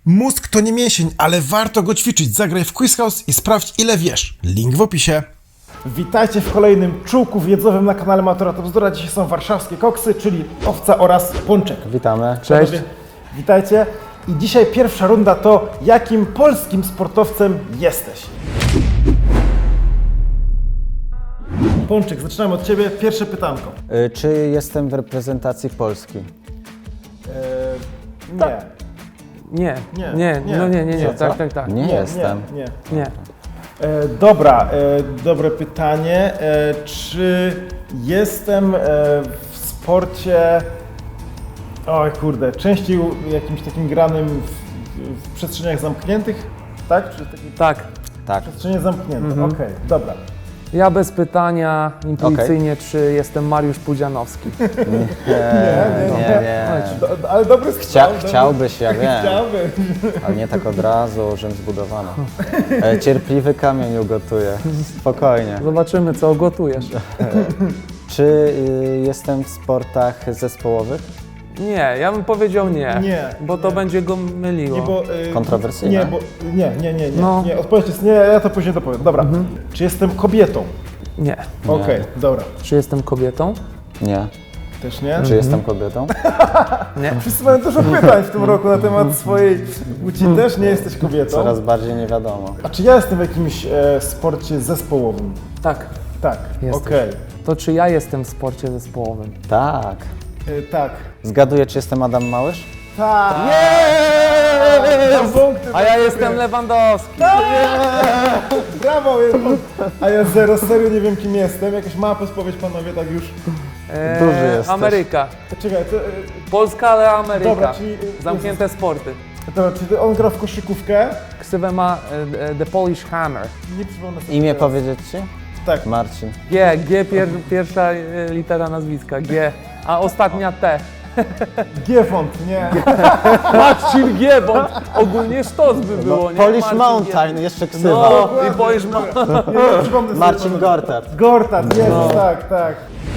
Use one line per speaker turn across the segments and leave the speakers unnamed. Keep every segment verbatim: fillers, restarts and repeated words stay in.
Mózg to nie mięsień, ale warto go ćwiczyć. Zagraj w Quiz House i sprawdź, ile wiesz. Link w opisie. Witajcie w kolejnym czułku wiedzowym na kanale Matura to Bzdura. Dzisiaj są warszawskie koksy, czyli owca oraz pączek.
Witamy.
Cześć. Panowie, witajcie. I dzisiaj pierwsza runda to jakim polskim sportowcem jesteś? Pączek, zaczynamy od Ciebie. Pierwsze pytanko.
Y, czy jestem w reprezentacji Polski?
Eee, nie.
Nie,
Nie,
nie,
nie.
no nie, nie, nie,
Co,
tak,
co?
tak, tak.
Nie,
Nie,
jestem.
Nie, nie.
Nie.
E, dobra, e, dobre pytanie. E, czy jestem e, w sporcie, oj kurde, częściej jakimś takim granym w, w przestrzeniach zamkniętych? Tak? Czy taki
Tak.
Tak.
przestrzenie zamknięte,
Mhm.
okej, dobra.
Ja bez pytania, intuicyjnie, czy jestem Mariusz Pudzianowski.
Nie,
nie,
nie,
nie.
nie.
Do, ale dobry
Chcia,
strzał. dobry-
chciałbyś, ja wiem,
Chciałbym.
ale nie tak od razu, Rzym zbudowano. E, cierpliwy kamień ugotuje. Spokojnie.
Zobaczymy, co gotujesz.
Czy y, jestem w sportach zespołowych?
Nie, ja bym powiedział nie,
Nie,
bo to
nie.
będzie go myliło.
Nie, bo, e,
Kontrowersyjne.
Nie, bo, nie, nie, nie, nie,
No.
nie. Odpowiedź jest nie, ja to później dopowiem. Dobra, czy jestem kobietą?
Nie.
Okej, dobra.
Czy jestem kobietą?
Nie.
Też nie?
Czy jestem kobietą?
Nie.
Wszyscy mają dużo pytań w tym roku na temat swojej płci. Też nie jesteś kobietą.
Coraz bardziej nie wiadomo.
A czy ja jestem w jakimś e, sporcie zespołowym?
Tak.
Tak,
Jesteś.
okej.
To czy ja jestem w sporcie zespołowym?
Tak.
E, Tak.
Zgaduję, czy jestem Adam Małysz?
Tak! Nie! Punkty,
A ja jestem Lewandowski.
brawo! jest punkt. A ja zero, serio nie wiem kim jestem. Jakaś mała podpowiedź, panowie, tak już.
Eee,
Duży jesteś.
Ameryka.
Czekaj, to, e,
Polska, ale Ameryka.
Dobra, czyli, e,
Zamknięte sporty.
dobra, czyli on gra w koszykówkę?
Ksywę ma e, e, The Polish Hammer.
Nie przypomnę sobie
Imię
teraz.
powiedzieć ci?
Tak.
Marcin.
G, G pier, pierwsza e, litera nazwiska, G, a ostatnia T.
Giefont, nie.
Marcin G, bo ogólnie sztos by było, nie?
Polish
Marcin
Mountain,
G.
jeszcze ksywa.
No, i Polish Mountain.
Nie, nie przypomnę sobie
Marcin
panowie.
Gortat.
Gortat, jest,
No.
tak, tak.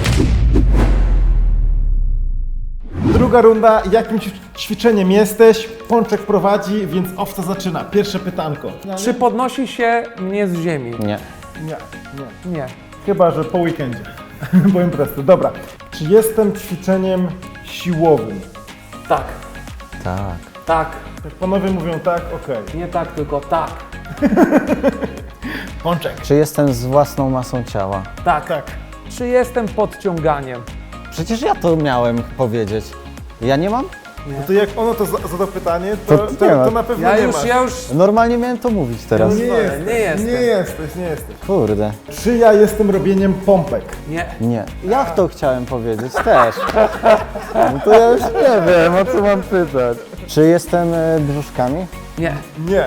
Druga runda. Jakim ćwi- ćwiczeniem jesteś? Pączek prowadzi, więc owca zaczyna. Pierwsze pytanko.
Czy podnosi się mnie z ziemi?
Nie.
Nie, nie.
Nie.
Chyba, że po weekendzie. Bo imprezy. Dobra. Czy jestem ćwiczeniem siłowym?
Tak,
Tak.
tak.
Jak panowie mówią tak, okej.
Nie tak, tylko tak.
Pączek.
Czy jestem z własną masą ciała?
Tak.
Tak.
Czy jestem podciąganiem?
Przecież ja to miałem powiedzieć. Ja nie mam?
No to jak ono to za- zada pytanie, to,
To
to,
nie ma.
to na pewno
Ja
nie
już,
masz.
ja już...
Normalnie miałem to mówić teraz.
Nie,
Nie
jesteś,
nie jestem.
nie jesteś, nie jesteś.
Kurde.
Czy ja jestem robieniem pompek?
Nie.
Nie. Ja to chciałem powiedzieć też. No to ja już nie wiem, o co mam pytać. Czy jestem e, brzuszkami?
Nie.
Nie,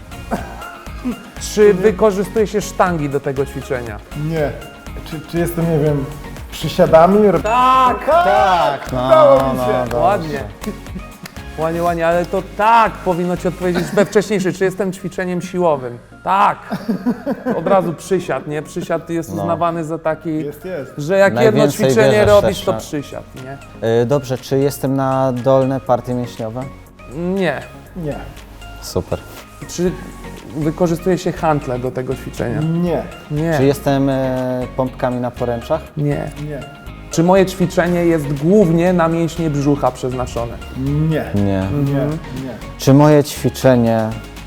Czy wykorzystuje się sztangi do tego ćwiczenia?
nie. Czy, czy jestem, nie wiem, przysiadami? Rob-
Tak!
Tak, no,
Udało mi
no,
się.
dobrze.
Ładnie. Ładnie, ładnie, ale to tak powinno ci odpowiedzieć we wcześniejszy. Czy jestem ćwiczeniem siłowym? Tak. Od razu przysiad, nie? Przysiad jest
No.
uznawany za taki,
Jest, jest.
że jak jedno
Najwięcej
ćwiczenie
bierzesz
robisz,
też,
to
no.
przysiad, nie?
E, Dobrze, czy jestem na dolne partie mięśniowe?
Nie.
Nie,
Super.
Czy wykorzystuje się hantle do tego ćwiczenia?
nie,
Czy
Nie.
jestem e, pompkami na poręczach?
Nie.
nie,
Czy moje ćwiczenie jest głównie na mięśnie brzucha przeznaczone?
nie,
Nie.
nie, nie.
Czy moje ćwiczenie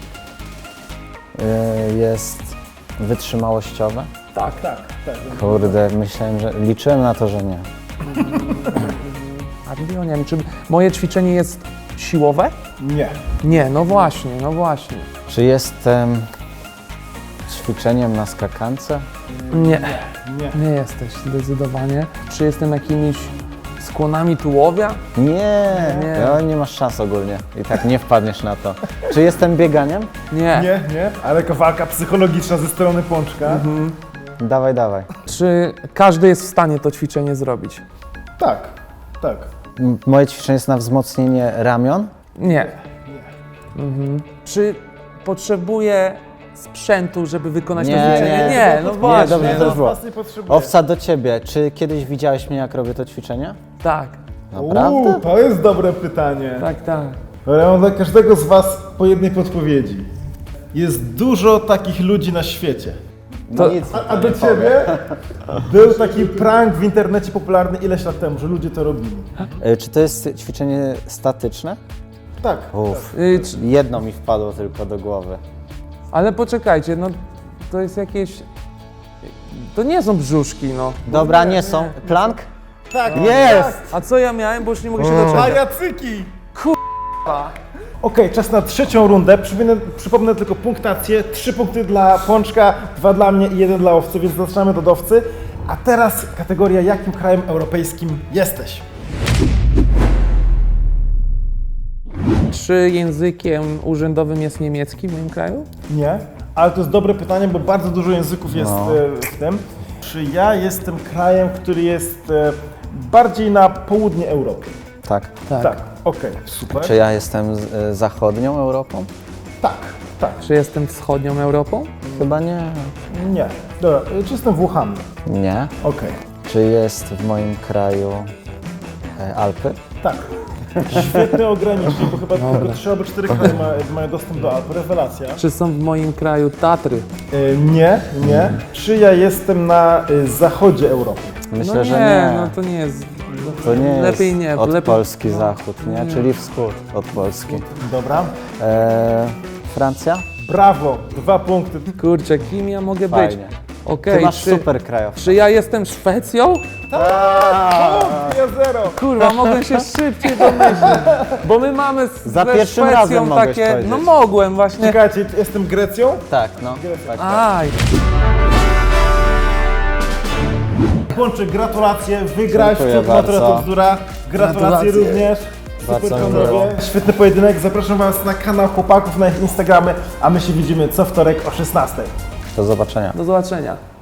e, jest wytrzymałościowe?
Tak.
Tak, tak.
Kurde, myślałem, że liczyłem na to, że nie.
A nie wiem, czy moje ćwiczenie jest siłowe?
Nie,
Nie, no właśnie, no właśnie.
Czy jestem ćwiczeniem na skakance?
Nie.
nie.
Nie jesteś, zdecydowanie. Czy jestem jakimiś skłonami tułowia?
Nie,
Nie.
no, nie masz szans ogólnie. I tak nie wpadniesz na to. Czy jestem bieganiem?
Nie.
Nie, nie, ale jaka walka psychologiczna ze strony Pączka.
Dawaj, dawaj.
Czy każdy jest w stanie to ćwiczenie zrobić?
Tak, tak.
M- Moje ćwiczenie jest na wzmocnienie ramion?
Nie. Mhm. Czy potrzebuję sprzętu, żeby wykonać
Nie,
to ćwiczenie?
nie.
Nie, no właśnie.
dobrze,
Nie,
to
no,
już było.
was nie potrzebuję.
Owca do ciebie. Czy kiedyś widziałeś mnie, jak robię to ćwiczenie?
Tak,
Naprawdę?
Uuu, to jest dobre pytanie.
tak, tak.
Dobra, ja mam dla każdego z was po jednej podpowiedzi. Jest dużo takich ludzi na świecie.
No nic
A,
mi
a
to
do
nie
ciebie
powie.
był taki prank w internecie popularny ileś lat temu, że ludzie to robili.
E, Czy to jest ćwiczenie statyczne?
Tak.
Uff,
Y, czy-
jedno mi wpadło tylko do głowy.
Ale poczekajcie, no to jest jakieś... To nie są brzuszki, no.
Dobra, nie są. Plank?
Tak.
Jest!
A co ja miałem, bo już nie mogę się
Tak.
doczekać.
Pajacyki! Okej, czas na trzecią rundę. Przypomnę, przypomnę tylko punktację. Trzy punkty dla Pączka, dwa dla mnie i jeden dla Owcy, więc zaczynamy od Owcy. A teraz kategoria, jakim krajem europejskim jesteś?
Czy językiem urzędowym jest niemiecki w moim kraju?
Nie, ale to jest dobre pytanie, bo bardzo dużo języków jest
No.
e, w tym. Czy ja jestem krajem, który jest e, bardziej na południe Europy?
Tak.
Tak, okej, super.
Czy ja jestem z, e, zachodnią Europą?
Tak, tak,
Czy jestem wschodnią Europą?
Chyba nie.
nie. Dobra, e, czy jestem Włochami?
Nie.
Okej,
Czy jest w moim kraju e, Alpy?
tak. Świetny ogranicznik, bo chyba tylko trzy albo cztery kraje ma, mają dostęp do Alp. Rewelacja.
Czy są w moim kraju Tatry?
E, nie, nie. Czy ja jestem na e, zachodzie Europy?
Myślę,
no nie,
że nie.
no to nie jest...
To nie
lepiej
jest
nie,
od
lepiej...
Polski zachód, nie? Czyli wschód od Polski.
Dobra.
E, Francja?
Brawo, dwa punkty.
Kurczę, kim ja mogę być?
Fajnie.
Okej,
Ty masz
czy,
super krajów.
czy ja jestem Szwecją?
Punkt, ja zero.
Kurwa, mogłem się szybciej domyślić, bo my mamy z,
Za
ze
pierwszym
Szwecją
razem mogłeś
takie...
powiedzieć.
No mogłem właśnie.
Czekajcie, jestem Grecją?
Tak, no. Tak, tak.
Aj,
Pączek, gratulacje, wygrałeś
Dziękuję
w Natura
bardzo.
to bzdura. Gratulacje,
Gratulacje.
również.
Bardzo
Super
mi
panowie.
miło.
Świetny pojedynek. Zapraszam was na kanał chłopaków, na ich Instagramy, a my się widzimy co wtorek o szesnastej.
Do zobaczenia.
do zobaczenia.